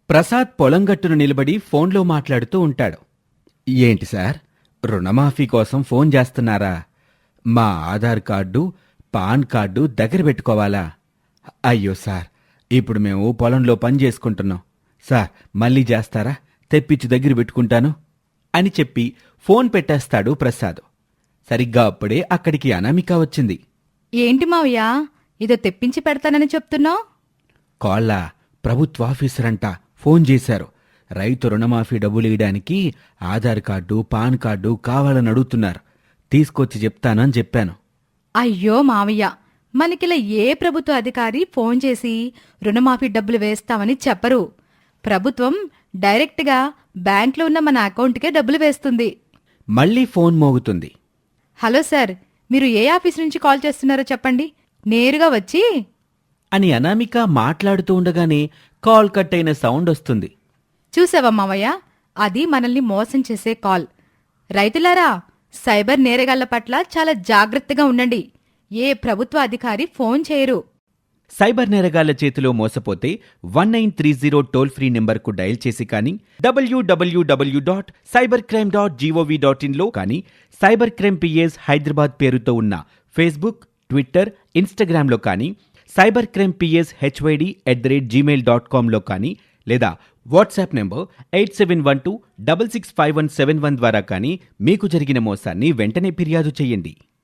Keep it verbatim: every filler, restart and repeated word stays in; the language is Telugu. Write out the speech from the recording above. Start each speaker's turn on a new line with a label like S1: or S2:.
S1: ప్రసాద్ పొలం గట్టున నిలబడి ఫోన్లో మాట్లాడుతూ ఉంటాడు. ఏంటి సార్, రుణమాఫీ కోసం ఫోన్ చేస్తున్నారా? మా ఆధార్ కార్డు, పాన్ కార్డు దగ్గర పెట్టుకోవాలా? అయ్యో సార్, ఇప్పుడు మేము పొలంలో పని చేసుకుంటున్నాం. సార్ మళ్ళీ చేస్తారా? తెప్పించి దగ్గర పెట్టుకుంటాను అని చెప్పి ఫోన్ పెట్టేస్తాడు ప్రసాద్. సరిగ్గా అప్పుడే అక్కడికి అనామిక వచ్చింది.
S2: ఏంటి మావయ్య, ఇదో తెప్పించి పెడతానని చెప్తున్నావు?
S1: కాళ్ళ ప్రభుత్వ ఆఫీసర్ అంట ఫోన్ చేశారు. రైతు రుణమాఫీ డబ్బులు ఇవ్వడానికి ఆధార్ కార్డు, పాన్ కార్డు కావాలని అడుగుతున్నారు. తీసుకొచ్చి చెప్తానని చెప్పాను.
S2: అయ్యో మావయ్య, మనకిలా ఏ ప్రభుత్వ అధికారి ఫోన్ చేసి రుణమాఫీ డబ్బులు వేస్తామని చెప్పరు. ప్రభుత్వం డైరెక్ట్గా బ్యాంక్లో ఉన్న మన అకౌంట్కే డబ్బులు వేస్తుంది.
S1: మళ్ళీ ఫోన్ మోగుతుంది.
S2: హలో సార్, మీరు ఏ ఆఫీస్ నుంచి కాల్ చేస్తున్నారో చెప్పండి, నేరుగా వచ్చి
S1: అని అనామిక మాట్లాడుతూ ఉండగానే కాల్ కట్ అయిన సౌండ్ వస్తుంది.
S2: చూసావా మావయ్య, అది మనల్ని మోసం చేసే కాల్. రైతులారా, సైబర్ నేరగాళ్ల పట్ల చాలా జాగ్రత్తగా ఉండండి. ఏ ప్రభుత్వ అధికారి ఫోన్ చేయరు.
S1: సైబర్ నేరగాళ్ల చేతిలో మోసపోతే one nine three zero toll free నెంబర్కు డయల్ చేసి కానీ, W W W dot cyber crime dot G O V dot ఇన్లో కానీ, సైబర్ క్రైమ్ పిఎస్ హైదరాబాద్ పేరుతో ఉన్న ఫేస్బుక్, ట్విట్టర్, ఇన్స్టాగ్రామ్లో కానీ, cyber crime PS HYD at the rate Gmail dot కామ్లో కానీ, లేదా WhatsApp number eight seven one two double six five one seven one ద్వారా కానీ మీకు జరిగిన మోసాన్ని వెంటనే ఫిర్యాదు చేయండి.